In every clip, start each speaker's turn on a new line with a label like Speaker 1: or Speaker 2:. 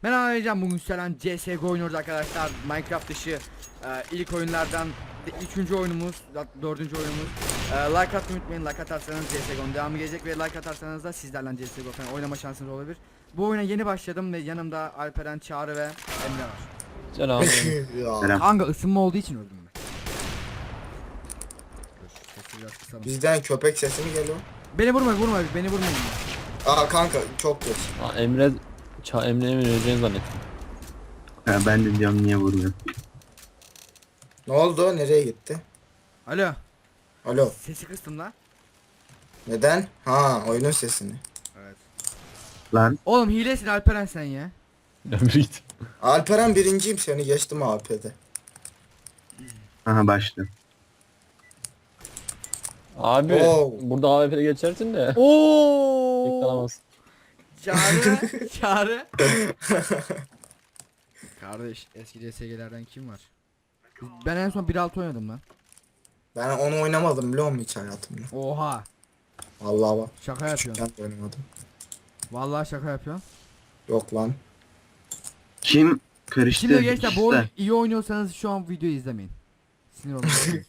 Speaker 1: Ben anlayacağım bugün Selen CSGO oynuyoruz arkadaşlar. Minecraft dışı ilk oyunlardan 3. oyunumuz, 4. oyunumuz. Like atmayı unutmayın. Like atarsanız CSGO'nun devamı gelecek ve like atarsanız da sizlerle CSGO falan oynama şansınız olabilir. Bu oyuna yeni başladım ve yanımda Alperen, Çağrı ve Emre var.
Speaker 2: Selam.
Speaker 3: Ya,
Speaker 1: Kanka ısınma olduğu için öldüm ben. Dur, sesi biraz kısalım.
Speaker 3: bizden köpek sesi mi geliyor?
Speaker 1: Beni vurma, beni vurmayın.
Speaker 3: Aa kanka çok geç.
Speaker 2: Emre öleceğini zannettim.
Speaker 4: Ha, ben de diyorum niye vurmuyor.
Speaker 3: Ne oldu? Nereye gitti?
Speaker 1: Alo,
Speaker 3: Alo.
Speaker 1: sesi kıstım la.
Speaker 3: Neden? Ha, oyunun sesini.
Speaker 1: Evet.
Speaker 4: Lan
Speaker 1: Oğlum hilesin Alperen sen ya.
Speaker 2: Emre git.
Speaker 3: Alperen birinciyim, seni geçtim AP'de.
Speaker 4: aha başladı.
Speaker 2: Abi
Speaker 3: Oo.
Speaker 2: burada AWP'de geçersin de.
Speaker 1: Oo.
Speaker 2: Yıkalamazsın.
Speaker 1: Çağrı. Kardeş eski CSG'lerden kim var? Ben en son 1.6 oynadım lan.
Speaker 3: Ben onu oynamadım biliyor musun hiç hayatımda?
Speaker 1: Oha.
Speaker 3: Vallahi bak.
Speaker 1: Şaka yapıyorsun.
Speaker 3: Ben de oynamadım.
Speaker 1: Vallahi şaka yapıyorsun.
Speaker 3: Yok lan.
Speaker 4: Kim karıştı?
Speaker 1: Şimdi gençler bu
Speaker 4: işte.
Speaker 1: oyunu iyi oynuyorsanız şu an videoyu izlemeyin. Sinir olmayın.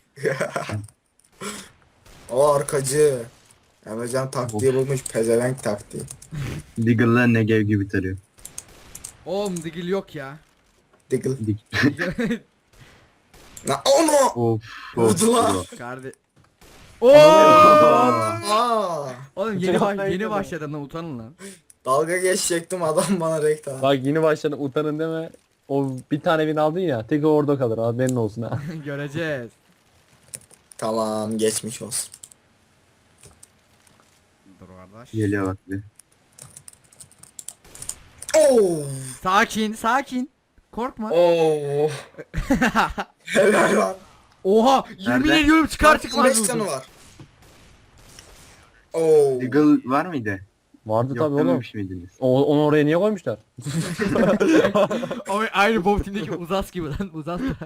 Speaker 3: O arkacı. Emrecan taktiği bulmuş, pezevenk taktiği.
Speaker 4: Diggle'la Negev gibi tarıyor.
Speaker 1: Oğlum digil yok ya.
Speaker 3: Diggle.
Speaker 4: Dig-
Speaker 3: Na onu.
Speaker 4: of
Speaker 3: Vurdular.
Speaker 4: of.
Speaker 1: Kardeş. Oo!
Speaker 3: Aa.
Speaker 1: Oğlum yeni başladım lan, utanın lan.
Speaker 3: Dalga geçecektim, adam bana reklam.
Speaker 2: Bak yeni başladın, utanın deme. O bir tane win aldın ya, tek orada kalır, haberin olsun ha.
Speaker 1: Göreceğiz.
Speaker 3: Tamam, geçmiş olsun.
Speaker 1: Dur kardeş.
Speaker 4: Geliyor bak bir.
Speaker 3: Oo.
Speaker 1: Sakin. Korkma.
Speaker 3: Oo. Helal lan.
Speaker 1: Oha! Yemin
Speaker 4: Nerede?
Speaker 1: ediyorum çıkar çıkmaz
Speaker 3: 5
Speaker 1: vurdum.
Speaker 3: canı var. Oo.
Speaker 4: Diggle var mıydı?
Speaker 2: Vardı
Speaker 4: Yok
Speaker 2: tabi oğlum.
Speaker 4: dememiş miydiniz?
Speaker 2: Onu oraya niye koymuşlar?
Speaker 1: Ama aynı Bob Team'deki Uzas gibi lan, Uzas da.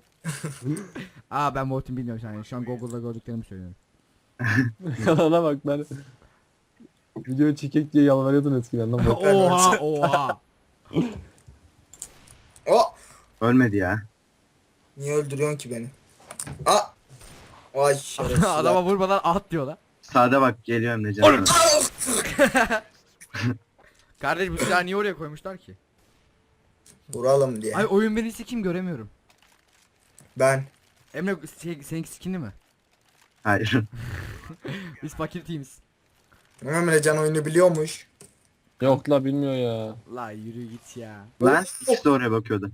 Speaker 1: Ben Bob Team bilmiyorum yani. Şu an Google'da gördüklerimi söylüyorum.
Speaker 2: Ona bak ben. Video çekek diye yalvarıyordun eskiden lan. Bak.
Speaker 1: Oha.
Speaker 3: O.
Speaker 4: Ölmedi ya.
Speaker 3: Niye öldürüyorsun ki beni? Aa. Ay şerefsiz.
Speaker 1: Adama vurmadan at diyorlar.
Speaker 4: Sağda bak geliyor Emrecan. sana.
Speaker 1: Kardeş bu silahı niye oraya koymuşlar ki?
Speaker 3: Vuralım diye.
Speaker 1: Ay oyun birisi kim göremiyorum.
Speaker 3: Ben.
Speaker 1: Emre seninki skinli mi?
Speaker 4: Hayır.
Speaker 1: Biz fakir teamiz.
Speaker 3: Emrecan oyunu biliyormuş.
Speaker 2: Yok la bilmiyor ya.
Speaker 1: La yürü git ya.
Speaker 4: Lan ikisi de oraya bakıyordu.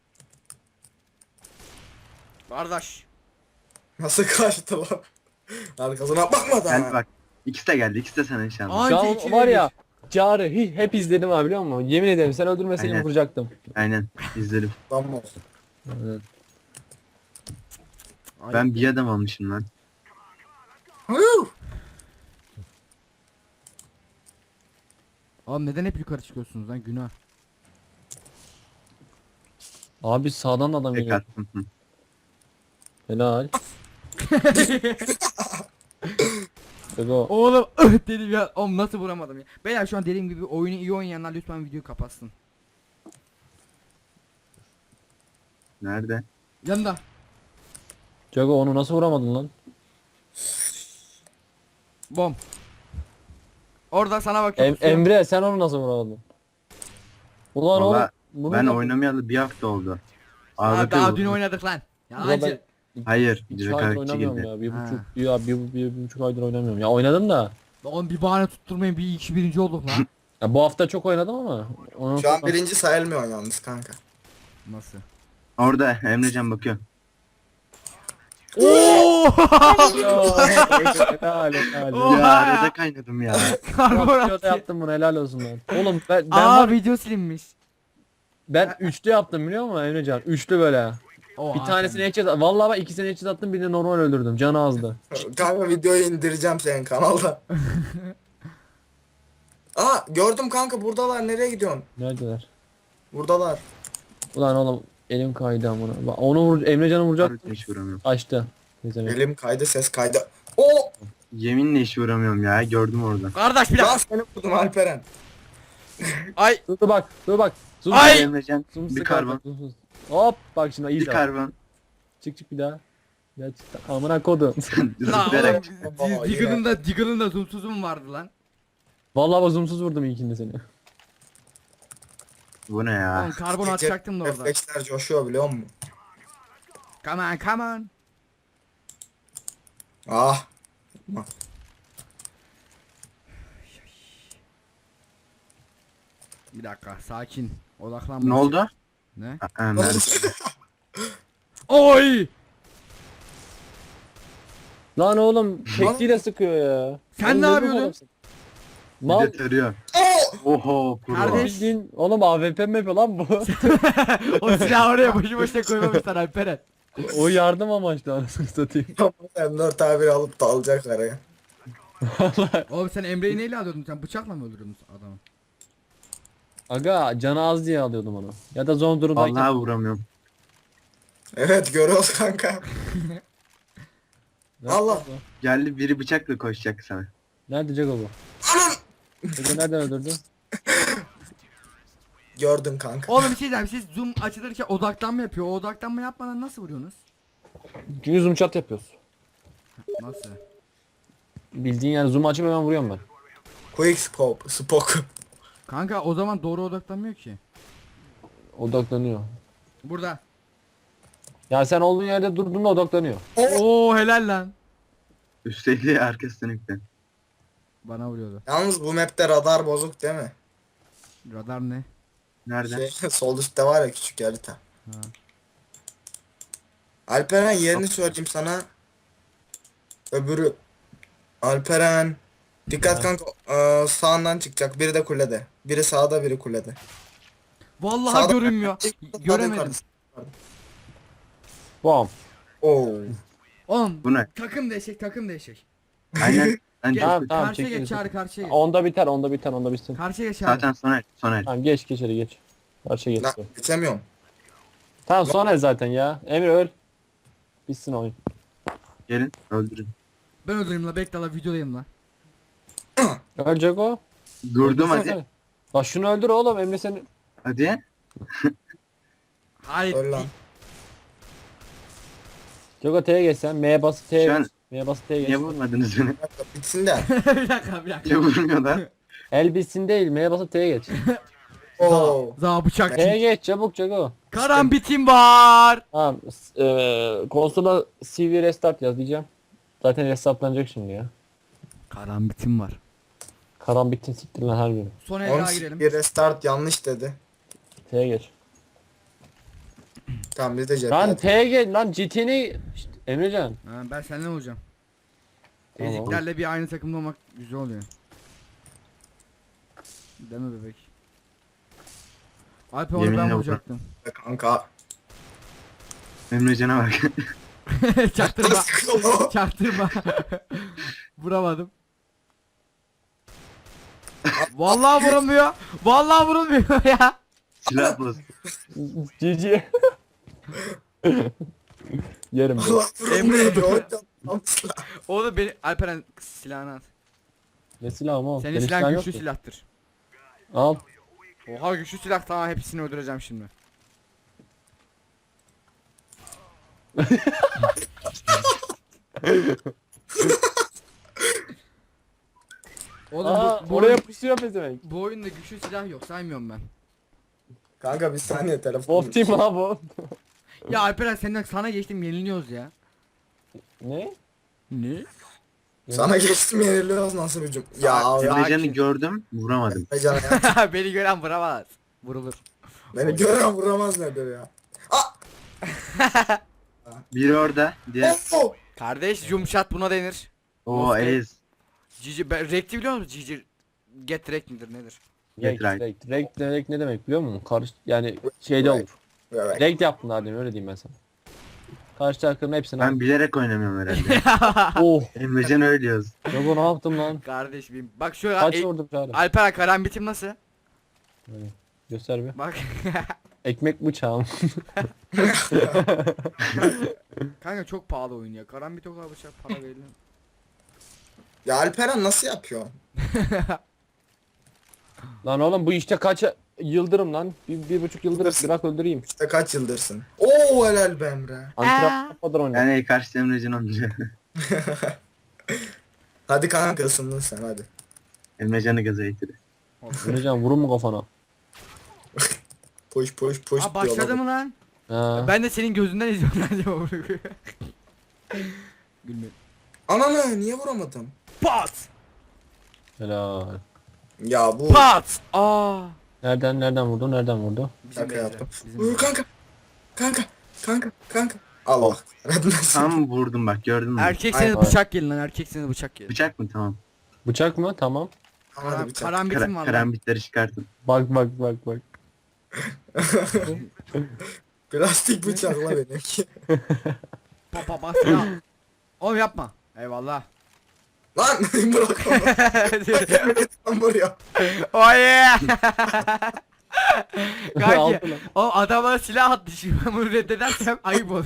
Speaker 1: Kardeş.
Speaker 3: Nasıl kaçtı lan? Arkasına bakmadan.
Speaker 4: Gel bak. İkisi de geldi. İkisi de sana inşallah.
Speaker 1: Anca
Speaker 2: Şu an
Speaker 1: iki
Speaker 2: var
Speaker 1: ve
Speaker 2: ya. Çağrı hep izledim abi biliyor musun? Yemin ederim sen öldürmeseydin
Speaker 4: Aynen.
Speaker 2: vuracaktım.
Speaker 4: Aynen. İzledim.
Speaker 3: Lan olsun.
Speaker 2: Evet.
Speaker 1: Ay,
Speaker 4: Ben bir adam almışım lan.
Speaker 3: Hıh.
Speaker 1: Oğlum neden hep yukarı çıkıyorsunuz lan, günah.
Speaker 2: Abi sağdan da adam
Speaker 4: Tek
Speaker 2: geliyor.
Speaker 4: attım. Hı.
Speaker 2: Helal. Ego.
Speaker 1: Oğlum dedim ya. Oğlum nasıl vuramadım ya. Beyler şu an dediğim gibi oyunu iyi oynayanlar lütfen videoyu kapatsın.
Speaker 4: Nerede?
Speaker 1: Yanında.
Speaker 2: Jago onu nasıl vuramadın lan?
Speaker 1: Bom. Orada sana bakıyorum.
Speaker 2: Emre sen onu nasıl vuramadın? Ulan
Speaker 4: Valla
Speaker 2: oğlum. bunu
Speaker 4: ben
Speaker 2: da-
Speaker 4: oynamayalı bir hafta oldu.
Speaker 1: Daha
Speaker 4: Ağlatıyor
Speaker 1: dün
Speaker 4: bu.
Speaker 1: oynadık lan.
Speaker 2: Ulan
Speaker 1: Yalancı.
Speaker 4: Hayır.
Speaker 2: İki
Speaker 4: Direkt
Speaker 2: aydır
Speaker 4: karakçı
Speaker 2: oynamıyorum
Speaker 4: girdi.
Speaker 2: ya. Bir
Speaker 1: Ha.
Speaker 2: buçuk, bir buçuk aydır oynamıyorum. Ya oynadım da.
Speaker 1: Oğlum bir bahane tutturmayın, bir iki birinci olduk lan.
Speaker 2: Ya bu hafta çok oynadım ama. Ondan
Speaker 3: Şu an
Speaker 2: sonra-
Speaker 3: birinci sayılmıyor yalnız kanka.
Speaker 1: Nasıl?
Speaker 4: Orada Emrecan bakıyor.
Speaker 1: Oo!
Speaker 2: Helal helal.
Speaker 1: Oha
Speaker 4: Ya
Speaker 1: ya.
Speaker 4: arada kaynadım ya.
Speaker 2: Videoda
Speaker 1: Karbonat.
Speaker 2: yaptım bunu helal olsun ben. Oğlum ben
Speaker 1: Video silinmiş.
Speaker 2: ben üçlü yaptım biliyor musun Emrecan? Üçlü böyle.
Speaker 1: Oha,
Speaker 2: Bir tanesini headshot vallahi ben ikisini headshot attım birini normal öldürdüm. Canı azdı.
Speaker 3: Kanka videoyu indireceğim senin kanalda. Aa gördüm kanka, buradalar, nereye gidiyorsun?
Speaker 2: Neredeler?
Speaker 3: Buradalar.
Speaker 2: Ulan oğlum elim kaydı amına. Bak, onu vur Emrecan'ı vuracak.
Speaker 4: Harbiden hiç vuramıyorum.
Speaker 2: Açtı. Neyse.
Speaker 3: Elim kaydı, ses kaydı. Oo!
Speaker 4: Yeminle hiç vuramıyorum ya. Gördüm orada.
Speaker 1: Kardeş bir
Speaker 3: Lan
Speaker 1: dakika.
Speaker 3: seni vurdum Alperen.
Speaker 1: Ay.
Speaker 2: Dur bak. Dur bak. Zoom
Speaker 1: Ay!
Speaker 4: Emrecan
Speaker 2: Zoom
Speaker 4: bir
Speaker 2: sık
Speaker 4: karbon.
Speaker 2: bak, zoom. Hop bak şimdi iyi
Speaker 4: Bir
Speaker 2: de.
Speaker 4: karbon.
Speaker 2: Çık bir daha. Gerçekten amına kodum.
Speaker 1: La
Speaker 4: Zıplayarak.
Speaker 1: oğlum Diggle'ın da zoomsuzum vardı lan.
Speaker 2: Vallahi bak zoomsuz vurdum ilkinde seni.
Speaker 4: Bu ne ya?
Speaker 1: Oğlum karbon atacaktım da orada.
Speaker 3: Refleksler coşuyor biliyor musun?
Speaker 1: Come on come on.
Speaker 3: Ah.
Speaker 1: Bir dakika sakin. Odaklanma.
Speaker 4: Ne oldu?
Speaker 1: Ne?
Speaker 4: Nerede?
Speaker 1: Oy!
Speaker 2: Lan oğlum tekliyle sıkıyor ya.
Speaker 1: Sen
Speaker 2: Oğlum
Speaker 1: ne
Speaker 2: bu
Speaker 1: yapıyordun?
Speaker 2: adamsın?
Speaker 4: Bir
Speaker 2: Mal
Speaker 4: de tarıyor. Oho pro.
Speaker 1: Kardeş.
Speaker 2: bildiğin oğlum AWP mi yapıyor lan bu?
Speaker 1: O silahı oraya boşu boşuna koymamışlar Alperen.
Speaker 2: O yardım amaçlı anasını satayım.
Speaker 3: M4 tabiri alıp da alacak araya.
Speaker 1: Oğlum sen Emre'yi neyle alıyordun sen? Bıçakla mı öldürüyordun adamı?
Speaker 2: Aga canı az diye alıyordum onu. Ya da zor durumdayken.
Speaker 4: Vallahi vuramıyorum.
Speaker 3: Evet görüyoruz kanka.
Speaker 2: Ne
Speaker 3: Allah.
Speaker 2: yaptın lan?
Speaker 4: Geldi biri bıçakla koşacak sana.
Speaker 2: Nerede Jago bu? Jago nereden öldürdün?
Speaker 3: Gördüm kanka.
Speaker 1: Oğlum bir şey diyeceğim. Siz zoom açılırken odaklanma yapıyor. O odaklanma yapmadan nasıl vuruyorsunuz?
Speaker 2: Çünkü zoom chat yapıyoruz.
Speaker 1: Nasıl?
Speaker 2: Bildiğin yani zoom açıp hemen vuruyorum ben.
Speaker 3: Quick scope. Spoke.
Speaker 1: Kanka o zaman doğru odaklanmıyor ki.
Speaker 2: Odaklanıyor.
Speaker 1: Burada.
Speaker 2: Ya sen olduğun yerde durduğunda odaklanıyor.
Speaker 1: Oo helal lan.
Speaker 4: Üstteydi arkası dönükten.
Speaker 1: Bana vuruyordu.
Speaker 3: Yalnız bu map'te radar bozuk değil mi?
Speaker 1: Radar ne?
Speaker 4: Nerede?
Speaker 3: Sol üstte var ya küçük harita.
Speaker 1: Ha.
Speaker 3: Alperen yerini söyleyeyim sana. Öbürü. Alperen. Dikkat kanka. Sağından çıkacak. Biri de kulede. Biri sağda biri kulede.
Speaker 1: Vallahi
Speaker 3: Sağda-
Speaker 1: görünmüyor. Göremedim.
Speaker 3: Yukarıda.
Speaker 2: Bam.
Speaker 3: Oo.
Speaker 1: Oğlum
Speaker 4: Bu ne?
Speaker 1: takım değişik takım değişik.
Speaker 4: Aynen. Ben
Speaker 1: Gel,
Speaker 2: Tamam, tamam,
Speaker 1: karşıya
Speaker 2: çekil,
Speaker 1: geç
Speaker 2: çekil.
Speaker 1: çağrı karşıya geç.
Speaker 2: Onda biter, onda biter, onda bitsin.
Speaker 1: Karşıya geç çağrı.
Speaker 4: zaten Soner.
Speaker 2: Tamam geç içeri geç. Karşıya geç.
Speaker 3: Lan geçemiyorum.
Speaker 2: Tamam sonra zaten ya. Emre öl. Bitsin oyun.
Speaker 4: Gelin öldürün.
Speaker 1: Ben öldüreyim la bekle la videodayım la.
Speaker 2: Ölecek o.
Speaker 4: Durdum
Speaker 2: Öldürsene.
Speaker 4: hadi.
Speaker 2: Bak şunu öldür oğlum Emre seni.
Speaker 4: Hadi.
Speaker 1: Hayır.
Speaker 3: Öl lan.
Speaker 2: Jago T'ye geç sen. M'ye bas T'ye
Speaker 4: Şu an-
Speaker 2: geç. M'ye bas T'ye geç.
Speaker 4: Niye vurmadınız beni?
Speaker 3: Bitsin de.
Speaker 1: bir dakika bir dakika.
Speaker 4: Niye vurmuyorlar?
Speaker 2: El bitsin değil. M'ye basıp T'ye geç.
Speaker 3: Oo.
Speaker 1: Za bıçak.
Speaker 2: T'ye geç çabuk Jago.
Speaker 1: Karambitim var.
Speaker 2: Tamam. Konsola CV restart yaz diyeceğim. Zaten restartlanacak şimdi ya.
Speaker 1: Karambitim var.
Speaker 2: Karanbitin siktir lan her gün.
Speaker 1: Son el daha
Speaker 3: 10
Speaker 1: girelim.
Speaker 3: bir restart yanlış dedi.
Speaker 2: T'ye geç.
Speaker 3: Tamam biz de cephe.
Speaker 2: Lan T'ye geç lan GT'ni. Şşt, Emrecan.
Speaker 1: Ha, ben senden olacağım.
Speaker 2: Tamam.
Speaker 1: Eziklerle bir aynı takımda olmak güzel oluyor. Değil mi bebek? Alp onu ben
Speaker 4: Yeminle
Speaker 1: vuracaktım.
Speaker 3: Kanka.
Speaker 4: Emrecan'a bak.
Speaker 1: Çaktırma.
Speaker 3: Sıkıyor.
Speaker 1: Çaktırma. Vuramadım. Vallahi vurulmuyor. Vallahi vurulmuyor ya.
Speaker 4: Silah boz.
Speaker 2: GG. Yerim ben.
Speaker 3: Allah
Speaker 1: Emre.
Speaker 3: Emre.
Speaker 1: Oğlum beni Alperen silahını at.
Speaker 2: Ne silahım oğlum?
Speaker 1: Senin
Speaker 2: Benim
Speaker 1: silahın
Speaker 2: silahım yok
Speaker 1: güçlü
Speaker 2: ki.
Speaker 1: silahtır.
Speaker 2: Al.
Speaker 1: Oha güçlü silah tamam hepsini öldüreceğim şimdi. Oğlum
Speaker 2: Aa,
Speaker 1: bu
Speaker 2: oraya
Speaker 1: oyun-
Speaker 2: pusuyor pezevenk.
Speaker 1: bu oyunda güçlü silah yok saymıyorum ben.
Speaker 3: Kanka bir saniye telefon.
Speaker 2: Wolf Team ha bu.
Speaker 1: Ya Alperen senden sana geçtim yeniliyoruz ya.
Speaker 2: Ne?
Speaker 1: Ne?
Speaker 3: Sana geçtim yeniliyoruz nasıl bir cüm. Ya
Speaker 4: Emrecan'ı gördüm vuramadım.
Speaker 3: Emrecan ya.
Speaker 1: Beni gören vuramaz. Vurulur.
Speaker 3: Beni gören vuramaz nedir ya.
Speaker 4: Biri orada. Diğer.
Speaker 3: Oh!
Speaker 1: Kardeş yumuşat buna denir.
Speaker 4: Oo
Speaker 1: Of,
Speaker 4: ez.
Speaker 1: Cici ben rekti biliyor musun? Cici get rek midir nedir?
Speaker 2: Rekt,
Speaker 4: right.
Speaker 2: rekt. Rekt ne demek biliyor musun? Yani şeyde olur.
Speaker 3: Evet.
Speaker 2: Rekt yaptın daha demin öyle diyeyim ben sana. Karşı takımın hepsini
Speaker 4: Ben bilerek oynamıyorum herhalde.
Speaker 2: Oh.
Speaker 4: Emrecan öyle diyoruz.
Speaker 2: Jago ne yaptım lan?
Speaker 1: Kardeş benim. Bak şu
Speaker 2: Kaç vurdum çağrı?
Speaker 1: Alper karambitim nasıl?
Speaker 2: Göster bir.
Speaker 1: Bak.
Speaker 2: Ekmek bıçağım.
Speaker 1: Kanka çok pahalı oyun ya. Karambit o kadar bıçak para verilir.
Speaker 3: Ya Alperen nasıl yapıyor?
Speaker 2: Lan oğlum bu işte kaç yıldırım lan? Bir buçuk yıldır
Speaker 3: Yıldırsın.
Speaker 2: bırak öldüreyim.
Speaker 3: İşte kaç yıldırsın? Oo helal be Emre.
Speaker 2: Antrenman yapmadan oyna.
Speaker 4: Yani karşı Emrecan onca.
Speaker 3: Hadi kanka ısındın sen hadi.
Speaker 4: Emrecan'ı gaza getir.
Speaker 2: Emrecan vurun mu kafana?
Speaker 3: Poş poş poş.
Speaker 1: Aa başladı mı lan?
Speaker 2: Ha.
Speaker 1: Ben de senin gözünden izliyorum lan acaba bunu. Gülmedim.
Speaker 3: Ananı niye vuramadım?
Speaker 1: Pat!
Speaker 2: Helal.
Speaker 3: Ya bu
Speaker 1: Pat! Aa!
Speaker 2: Nereden vurdu? Nereden vurdu?
Speaker 1: Bizim
Speaker 3: şaka
Speaker 1: Beyza,
Speaker 3: yaptım.
Speaker 1: bizim
Speaker 3: Vur
Speaker 1: Beyza.
Speaker 3: kanka. Kanka. Allah. Radınası.
Speaker 4: Tam vurdum bak gördün mü?
Speaker 1: Erkekseniz
Speaker 2: Aynen.
Speaker 1: bıçak gelin lan, erkekseniz bıçak gelin.
Speaker 4: Bıçak mı tamam.
Speaker 2: Bıçak mı? Tamam.
Speaker 3: Hadi bıçak.
Speaker 1: Karambitim var lan.
Speaker 4: Karambitleri çıkartın.
Speaker 2: Bak.
Speaker 3: Plastik bıçakla benimki.
Speaker 1: Pa bas ya. Oğlum yapma. Eyvallah.
Speaker 3: Lan bırak onu. Tam buraya.
Speaker 1: Oh yeah! Kanki,
Speaker 2: Aldı lan.
Speaker 1: o adam bana silah attı şimdi ben bunu reddedersem ayıp olur.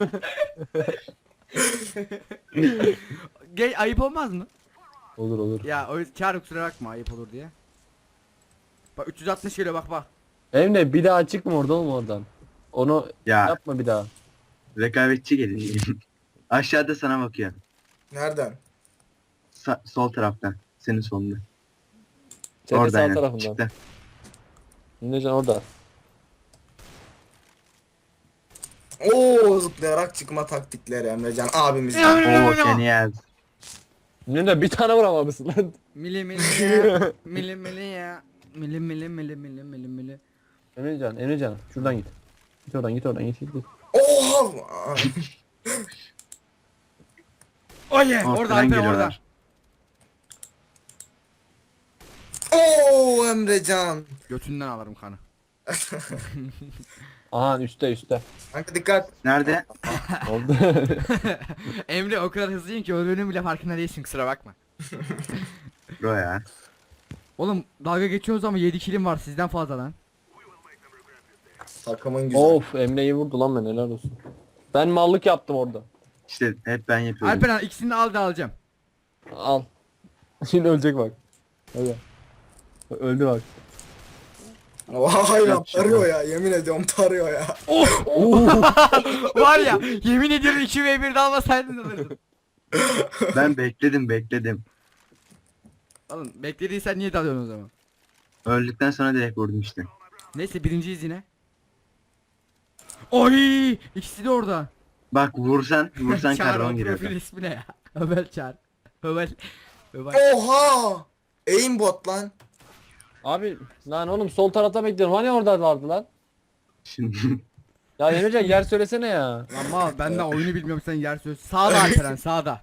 Speaker 1: Gel ayıp olmaz mı?
Speaker 2: Olur.
Speaker 1: Ya o kâr kusura bakma ayıp olur diye. Bak 360 geliyor bak.
Speaker 2: Emre bir daha çıkma oradan. Onu
Speaker 4: Ya
Speaker 2: yapma bir daha.
Speaker 4: rekabetçi gelin. Aşağıda sana bakıyor.
Speaker 3: Nereden?
Speaker 4: Sol taraftan. Senin solunda.
Speaker 2: Senin
Speaker 4: Orada
Speaker 2: sağ
Speaker 4: aynen.
Speaker 2: tarafından.
Speaker 4: Çıktı.
Speaker 2: Emrecan orada.
Speaker 3: Oo zıplayarak çıkma taktikleri Emrecan abimiz.
Speaker 4: Oo Keniyaz.
Speaker 2: Emre bir tane vuramamışsın lan.
Speaker 1: Mili ya. Mili ya. Mili.
Speaker 2: Emrecan şuradan git. Git oradan git.
Speaker 3: Oha.
Speaker 1: Oh yeah!
Speaker 4: Ortadan
Speaker 1: Orada Alper orada.
Speaker 4: geliyorlar.
Speaker 3: Oo Emrecan.
Speaker 1: Götünden alırım kanı.
Speaker 2: Aha üstte.
Speaker 3: Kanka dikkat.
Speaker 4: Nerede?
Speaker 2: Oldu.
Speaker 1: Emre o kadar hızlıyım ki öldüğünün bile farkında değilsin kusura bakma.
Speaker 4: Bro ya.
Speaker 1: Oğlum dalga geçiyoruz ama 7 kilim var sizden fazla lan.
Speaker 3: Takımın güzel.
Speaker 2: Of Emre'yi vurdu lan ben helal olsun. Ben mallık yaptım orada.
Speaker 4: İşte hep ben yapıyorum.
Speaker 1: Alper ikisini de al da alacağım.
Speaker 2: Al. Şimdi ölecek bak. Hadi. Öldü bak.
Speaker 3: Vay lan
Speaker 4: Yap şunu.
Speaker 3: tarıyor ya yemin ediyorum tarıyor ya.
Speaker 1: Var ya yemin ediyorum 2v1'de almasaydın alırdın.
Speaker 4: Ben bekledim.
Speaker 1: Oğlum beklediysen niye dalıyorsun o zaman?
Speaker 4: Öldükten sonra direkt vurdum işte.
Speaker 1: Neyse birinciyiz yine. Oy ikisi de orada.
Speaker 4: Bak vursan
Speaker 1: Çağrı
Speaker 4: karbon
Speaker 1: o
Speaker 4: giriyor.
Speaker 1: profil ismi ne ya? Ömer Çağrı. Ömer.
Speaker 3: Oha. Aimbot lan.
Speaker 2: Abi lan oğlum sol tarafta bekliyorum. Hani orada vardı lan?
Speaker 4: Şimdi
Speaker 2: Ya Emrecan yer söylesene ya.
Speaker 1: Ama ben de oyunu bilmiyorum sen yer söyle. Sağda Alperen sağda.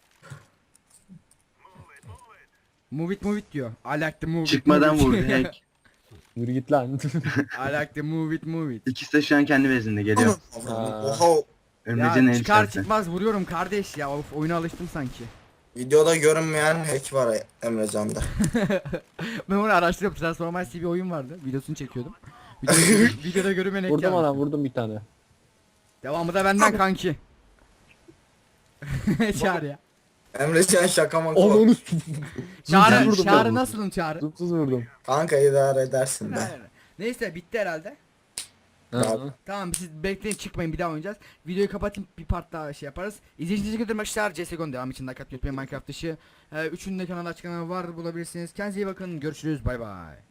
Speaker 1: Move it diyor. I like the move it.
Speaker 4: çıkmadan
Speaker 1: move
Speaker 4: vurdu
Speaker 1: it.
Speaker 4: hack.
Speaker 2: Yürü git lan.
Speaker 1: I like the move it.
Speaker 4: İkisi de şu an kendi bezinde geliyor.
Speaker 3: Oha.
Speaker 4: Emrecan'ın
Speaker 1: Ya
Speaker 4: el
Speaker 1: çıkar
Speaker 4: çarptı.
Speaker 1: çıkmaz vuruyorum kardeş ya. Of oyuna alıştım sanki.
Speaker 3: Videoda görünmeyen hack var Emrecan'da.
Speaker 1: Ben onu araştırıyorum. Transformers diye bir oyun vardı. Videosunu çekiyordum. Videoda görünmeyen ek
Speaker 2: Vurdum
Speaker 1: yapmış.
Speaker 2: ana vurdum bir tane.
Speaker 1: Devamı da benden kanki. Çağrı ya.
Speaker 3: Emrecan şaka maka.
Speaker 2: Onu
Speaker 1: Çağrı,
Speaker 2: vurdum
Speaker 1: Çağrı
Speaker 2: ben.
Speaker 1: nasılım Çağrı?
Speaker 2: Zıpsız vurdum.
Speaker 3: Kanka idare edersin be.
Speaker 1: Neyse bitti herhalde.
Speaker 2: Hı.
Speaker 1: Tamam siz bekleyin çıkmayın bir daha oynayacağız. Videoyu kapatayım bir part daha şey yaparız. İzlediğiniz için teşekkür ederim arkadaşlar. CSGO'nun devam için like atmayı unutmayın Minecraft dışı. Üçünün de kanalda açıklama var bulabilirsiniz. Kendinize iyi bakın. Görüşürüz. Bay bay.